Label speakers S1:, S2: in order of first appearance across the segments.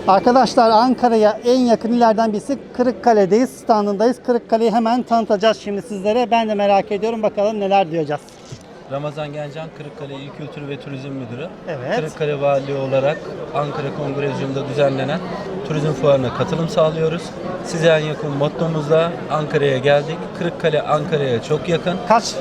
S1: Arkadaşlar Ankara'ya en yakın illerden birisi Kırıkkale'deyiz. Standındayız. Kırıkkale'yi hemen tanıtacağız şimdi sizlere. Ben de merak ediyorum. Bakalım neler duyacağız.
S2: Ramazan Gencan, Kırıkkale İl Kültür ve Turizm Müdürü.
S1: Evet.
S2: Kırıkkale Valiliği olarak Ankara Kongrezyum'da düzenlenen turizm fuarına katılım sağlıyoruz. Size en yakın mottomuzla Ankara'ya geldik. Kırıkkale Ankara'ya çok yakın.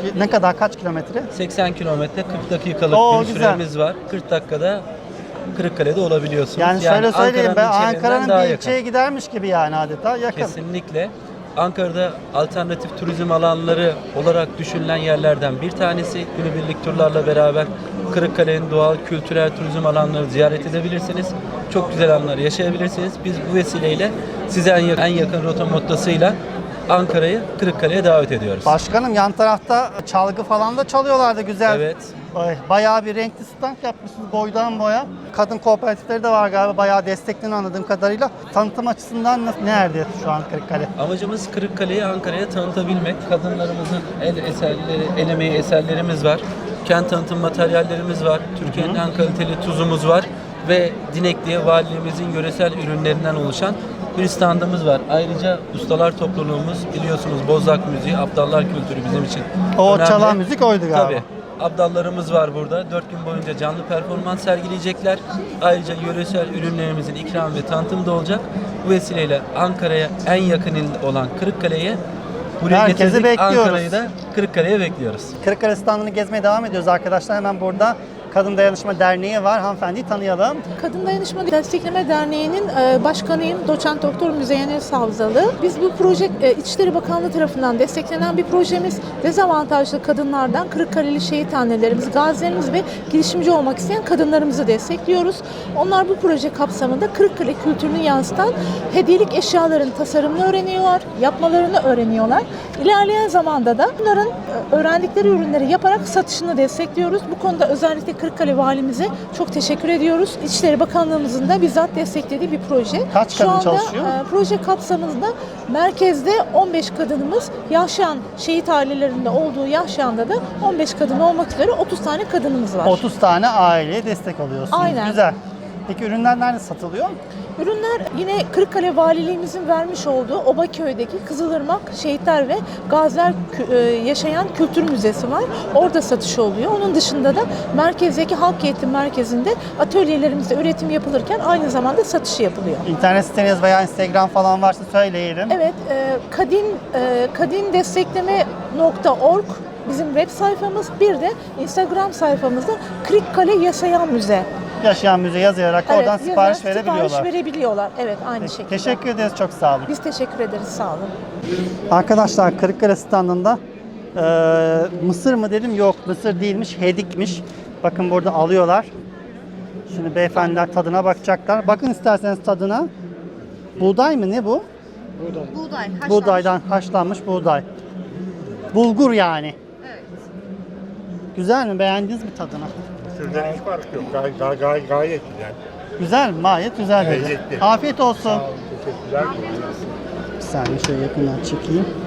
S1: Kaç kilometre?
S2: 80 kilometre 40 dakikalık bir
S1: güzel.
S2: süremiz var. 40 dakikada Kırıkkale'de olabiliyorsunuz.
S1: Yani şöyle söyleyeyim, ben
S2: ilçelerinden
S1: Ankara'nın
S2: daha
S1: bir
S2: yakın.
S1: ilçeye gidermiş gibi yani adeta yakın.
S2: Kesinlikle. Ankara'da alternatif turizm alanları olarak düşünülen yerlerden bir tanesi. Günübirlik turlarla beraber Kırıkkale'nin doğal, kültürel turizm alanları ziyaret edebilirsiniz. Çok güzel anlar yaşayabilirsiniz. Biz bu vesileyle size en yakın rota mottasıyla Ankara'yı Kırıkkale'ye davet ediyoruz.
S1: Başkanım, yan tarafta çalgı falan da çalıyorlardı güzel.
S2: Evet.
S1: Bayağı bir renkli stand yapmışsınız boydan boya. Kadın kooperatifleri de var galiba, bayağı desteklerini anladığım kadarıyla. Tanıtım açısından nerede şu an Kırıkkale?
S2: Amacımız Kırıkkale'yi Ankara'ya tanıtabilmek. Kadınlarımızın el eserleri, el emeği eserlerimiz var. Kent tanıtım materyallerimiz var. Türkiye'nin en kaliteli tuzumuz var. Ve Dinekli'ye valiliğimizin yöresel ürünlerinden oluşan bir standımız var. Ayrıca ustalar topluluğumuz, biliyorsunuz Bozlak müziği, Abdallar kültürü bizim için
S1: O
S2: önemli.
S1: çalan müzik oydu galiba.
S2: Tabii. Abdallarımız var burada. 4 gün boyunca canlı performans sergileyecekler. Ayrıca yöresel ürünlerimizin ikram ve tanıtımı da olacak. Bu vesileyle Ankara'ya en yakın il olan Kırıkkale'ye buraya
S1: Herkesi
S2: getirdik.
S1: bekliyoruz.
S2: Ankara'yı da Kırıkkale'ye bekliyoruz.
S1: Kırıkkale standını gezmeye devam ediyoruz arkadaşlar. Hemen burada Kadın Dayanışma Derneği var. Hanımefendiyi tanıyalım.
S3: Kadın Dayanışma Destekleme Derneği'nin başkanıyım. Doçent Doktor Müzeyyen Savzalı. Biz bu proje İçişleri Bakanlığı tarafından desteklenen bir projemiz. Dezavantajlı kadınlardan Kırıkkaleli şehit annelerimiz, gazilerimiz ve girişimci olmak isteyen kadınlarımızı destekliyoruz. Onlar bu proje kapsamında Kırıkkale kültürünü yansıtan hediyelik eşyaların tasarımını öğreniyorlar, yapmalarını öğreniyorlar. İlerleyen zamanda da bunların öğrendikleri ürünleri yaparak satışını destekliyoruz. Bu konuda özellikle Kırıkkale Valimize çok teşekkür ediyoruz. İçişleri Bakanlığımızın da bizzat desteklediği bir proje.
S1: Kaç kadın çalışıyor?
S3: Proje kapsamında merkezde 15 kadınımız, Yahşan şehit ailelerinde olduğu Yahşan'da da 15 kadın olmak üzere 30 tane kadınımız var.
S1: 30 tane aileye destek oluyorsunuz.
S3: Aynen.
S1: Güzel. Peki ürünler nerede satılıyor?
S3: Ürünler yine Kırıkkale Valiliğimizin vermiş olduğu Obaköy'deki Kızılırmak Şehitler ve Gaziler Yaşayan Kültür Müzesi var. Orada satışı oluyor. Onun dışında da merkezdeki Halk Eğitim Merkezi'nde atölyelerimizde üretim yapılırken aynı zamanda satışı yapılıyor.
S1: İnternet siteniz veya Instagram falan varsa söyleyelim.
S3: Evet, kadindestekleme.org bizim web sayfamız. Bir de Instagram sayfamızda Kırıkkale Yaşayan Müze.
S1: Yaşayan müze yazılarak oradan
S3: yazarak
S1: sipariş verebiliyorlar.
S3: Sipariş verebiliyorlar. Evet, aynı şekilde.
S1: Teşekkür ederiz, çok sağ olun.
S3: Biz teşekkür ederiz, sağ olun.
S1: Arkadaşlar Kırıkkale standında mısır mı dedim, yok mısır değilmiş, hedikmiş. Bakın burada alıyorlar. Şimdi beyefendiler tadına bakacaklar. Bakın isterseniz tadına. Buğday mı, ne bu?
S4: Buğday, haşlanmış.
S1: Buğdaydan haşlanmış buğday. Bulgur yani.
S4: Evet.
S1: Güzel mi? Beğendiniz mi tadını?
S5: Mısır'dan hiç fark yok. Gayet güzel.
S1: Güzel mi? Gayet güzel dedi.
S5: Lezzetli.
S1: Afiyet olsun.
S5: Sağ olun, teşekkürler.
S1: Bir saniye şöyle yakından çekeyim.